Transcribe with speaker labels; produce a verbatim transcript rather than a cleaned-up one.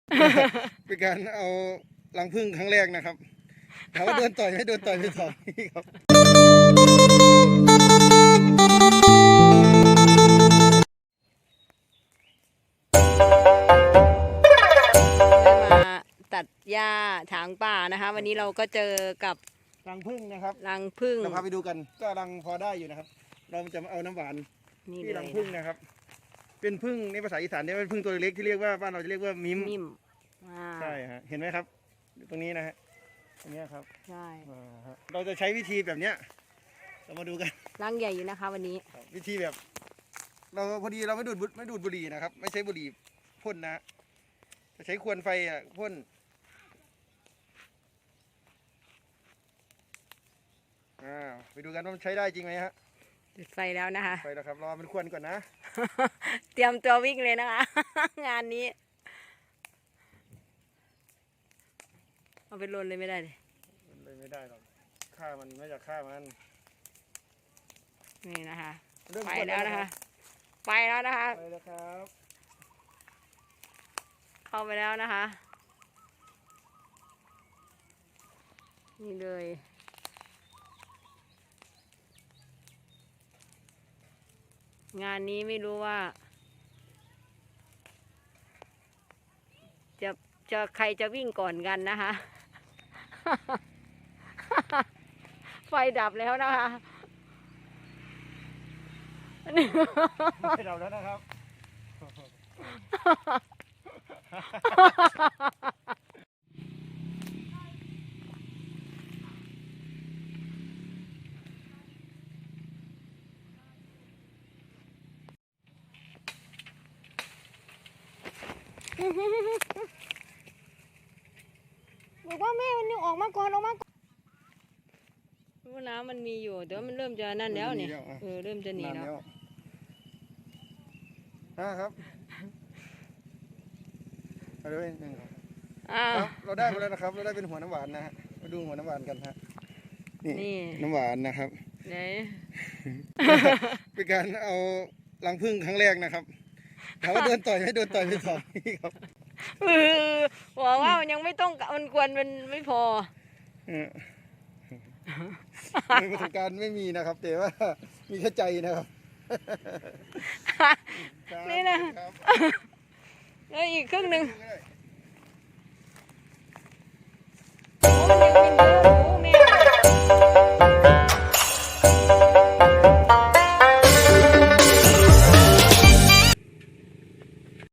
Speaker 1: เป็นการเอารังผึ้งครั้งแรกนะครับถามว่าโดนต่อยไม่โดนต่อยไม่ต่อยครับ
Speaker 2: มาตัดหญ้าถางป่านะคะ วันนี้เราก็เจอกับ
Speaker 1: รังผึ้งนะครับ
Speaker 2: รังผึ้ง
Speaker 1: เราพาไปดูกันก็รังพอได้อยู่นะครับ เราจะมาเอาน้ำหวาน
Speaker 2: นี่
Speaker 1: ที่
Speaker 2: เล
Speaker 1: รัง
Speaker 2: ย
Speaker 1: ผึ้งนะครับ เป็นผึ้งในภาษาอีสานเนี่ยเป็นผึ้งตัวเล็กที่เรียกว่าบ้านเราจะเรียกว่ามิม
Speaker 2: นิ่มอ่า
Speaker 1: ใช่ฮะเห็นไหมครับตรงนี้นะฮะตรงนี้ครับ
Speaker 2: ใช่
Speaker 1: อ่าฮะเราจะใช้วิธีแบบเนี้ยเรามาดูกัน
Speaker 2: รังใหญ่อยู่นะคะ วันนี้
Speaker 1: ครับวิธีแบบ เราพอดีเราไม่ดูดบุไม่ดูดบุหรี่นะครับ ไม่ใช้บุหรี่พ่นนะจะใช้ควนไฟอ่ะพ่นอ่าไปดูกันว่ามันใช้ได้จริงไหมฮะ
Speaker 2: จุดไฟแล้วนะคะ
Speaker 1: ไปแล้วครับรอมันควนก่อนนะ
Speaker 2: เตรียมตัววิ่งเลยนะคะ งานนี้เอาไปลนเลยไม่ได้เลย
Speaker 1: มันเลยไม่ได้หรอกฆ่ามันไม่อยากฆ่ามัน
Speaker 2: นี่นะคะ
Speaker 1: เริ่ม
Speaker 2: ไป
Speaker 1: ควน
Speaker 2: แล้วนะคะ ไปแล้วนะคะ
Speaker 1: ไปแล้วครับ
Speaker 2: เข้าไปแล้วนะคะ นี่เลย งานนี้ไม่รู้ว่า จะจะใครจะวิ่งก่อนกันนะคะ ไฟดับแล้วนะคะ
Speaker 1: ไปเราแล้วนะครับ
Speaker 2: บอกว่าแม่มันนี่ออกมาก่อนออกมาก่อนรู้น้ำมันมีอยู่เดี๋ยวมันเริ่มจะนั่นแล้วเนี่ยเออเริ่มจะหนีแล้ว
Speaker 1: นะครับเอาเลยหนึ่งครับ
Speaker 2: อ่า
Speaker 1: ครับเราได้มาแล้วนะครับ เราได้เป็นหัวน้ำหวานนะฮะมาดูหัวน้ำหวานกันฮะนี่
Speaker 2: นี่
Speaker 1: น้ำหวานนะครับ
Speaker 2: ไหน
Speaker 1: เป็นการเอารังผึ้งครั้งแรกนะครับถามว่าโดนต่อยไม่โดนต่อยไม่ต่อยครับ
Speaker 2: เออบอกว่ามันยังไม่ต้องมันควรมันไม่พอ
Speaker 1: เออในประสบการณ์ไม่มีนะครับ แต่ว่ามีแค่ใจนะครับ
Speaker 2: นี่นะ
Speaker 1: ครับ
Speaker 2: แล้วอีกครึ่งหนึ่ง
Speaker 1: ก็ได้
Speaker 2: โอ้มันยังไม่เยอะ